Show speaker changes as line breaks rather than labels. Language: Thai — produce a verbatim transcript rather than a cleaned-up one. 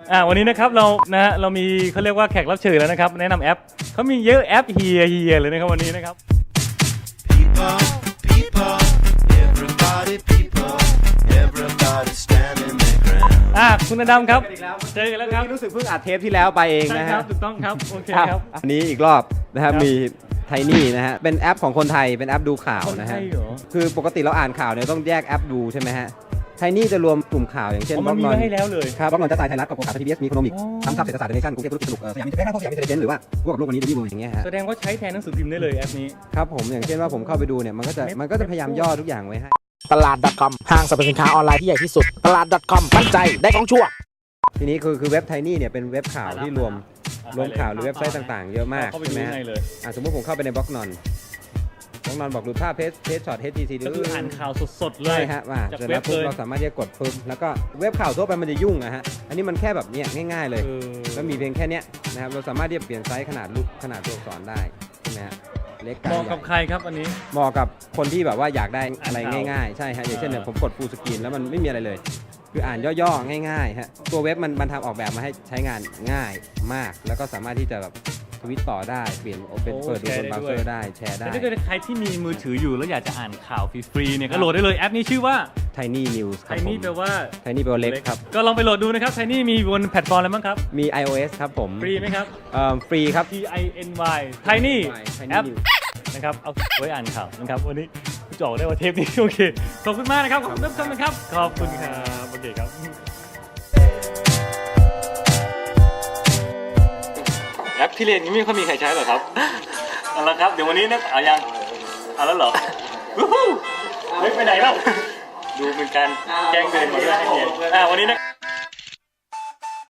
อ่าวันนี้นะครับเรานะฮะเรามีเขาเรียกว่าแขกรับเชิญแล้วนะครับแนะนำแอปเขามีเยอะแอปเฮียเฮียเลยนะครับวันนี้นะครับ
People, people, everybody, people, everybody standing their ground.
อ่าคุณอดัมครับเจอกันแล้วครับ
รู้สึกเพิ่งอัดเทปที่แล้วไปเอง
ใช่
นะ
ครั
ฮะ
บถูกต้องครับโอเคครับ
อันนี้อีกรอบนะครับ
ครับ
มีไทนี่นะฮะเป็นแอปของคนไทยเป็นแอปดูข่าว
คน
นะ
ไท
ฮะ
ยเหรอ
คือปกติเราอ่านข่าวเนี่ยต้องแยกแอปดูใช่ไหมฮะไทนี่จะรวมกลุ่มข่าวอย่างเช่น
อ๋อมันมีไว้ให้แล้วเลย
ครับบล็อกนอนจะตายไทยรัฐกับโอกาสทีวีเอสมีโคโนมิก
อ๋อ
ทำซับเศรษฐศาสตร์เดเนชั่นกรุงเทพธุรกิจสนุกเออสยามมิตรแพทย์สยามมิตรเดนหรือว่าพวกกับโลกวันนี้เดลี่เวิลด์อย่างเงี้ยฮะ
แสดงว่าใช้แทนหนังสือพิมพ์ได้เลยแอปนี้
ครับผมอย่างเช่นว่าผมเข้าไปดูเนี่ยมันก็จะมันก็จะพยายามย่อทุกอย่างไว้ให้
ตลาด .com ห้างสรรพสินค้าออนไลน์ที่ใหญ่ที่สุด ตลาด .com มั่นใจได้ของชั่ว
ทีนี้คือคือเว็บไทนี่เนี่ยเป็นเว็บข่าวที่รวม
อ่ะ
รวมข่าวหรือเว็บไซต์ต่างๆ เยอะมาก
เข้าไป
ใช่
ดู
ไหมฮะ
ในเลย
อ่ะสมมติผมเข้าไปในบล็อกนอนบล็อกนอนบอกดูภาพเพจเพจช็อต เอช ที ซี
ก็คืออ่านข่าวสดๆเล
ใช่
ย
ฮะว่า
จาก
เสร็จ
เว็
แล้
บ
วปุ๊บ
เลย
เราสามารถที่จะกดปุ๊บแล้วก็เว็บข่าวทั่วไปมันจะยุ่งอะฮะอันนี้มันแค่แบบเนี้ยง่ายๆเลย
เออ
ก็มีเพียงแค่เนี้ยนะครับเราสามารถที่จะเปลี่ยนไซส์ขนาดรูปขนาดตัวอักษรได้ใช่ไหมฮะเล็กกลาง
เหมาะ
ให
กับ
ญ่
ใครครับอันนี้
เหมาะกับคนที่แบบว่าอยากได้อะไร
อ่านข่าว
ง่ายๆใช่ฮะอย่างเช่นเนี่ย
เออ
ผมกดฟูลสกรีนแล้วมันไม่มีอะไรเลย คืออ่านย่อๆง่ายๆฮะตัวเว็บมันมันทำออกแบบมาให้ใช้งานง่ายมาก แล้วก็สามารถที่จะแบบทวิตต่อได้เปลี่ยนเป็นเปิดดูบนเบราว์เซอร์ได้แชร์ได้
แต่ถ้าเกิดใครที่มีมือถืออยู่แล้วอยากจะอ่านข่าวฟรีๆเนี่ยก็โหลดได้เลยแอปนี้ชื่อว่า
Tiny News ค
ไท
รับผม
นี่แปลว่า
Tiny แปลว่าเล็กครับ
ก็ลองไปโหลดดูนะครับไทนี่มีบนแพลตฟอร์มอะไรบ้างครับ
มี iOS ครับผม
ฟรีไหมครับ
เอ่อฟรีครับ
T I N Y Tiny
Tiny
แอป
News
นะครับเอาไว้อ่านข่าวนะครับวันนี้จะออกได้ว่าเทปนี้โอเคขอบคุณมากนะครับขอบคุณท่านผู้ชมนะครับขอบคุณครับโอเคครับแอปที่เรียนนี้ไม่ค่อยมีใครใช้หรอครับเอาละครับเดี๋ยววันนี้นะเอายังเอาแล้วเหรอวู้ฮู้เฮ้ยไปไหนแล้วดูเป็นการแกล้งเดินมาด้วยให้เรียนอ่าวันนี้นะ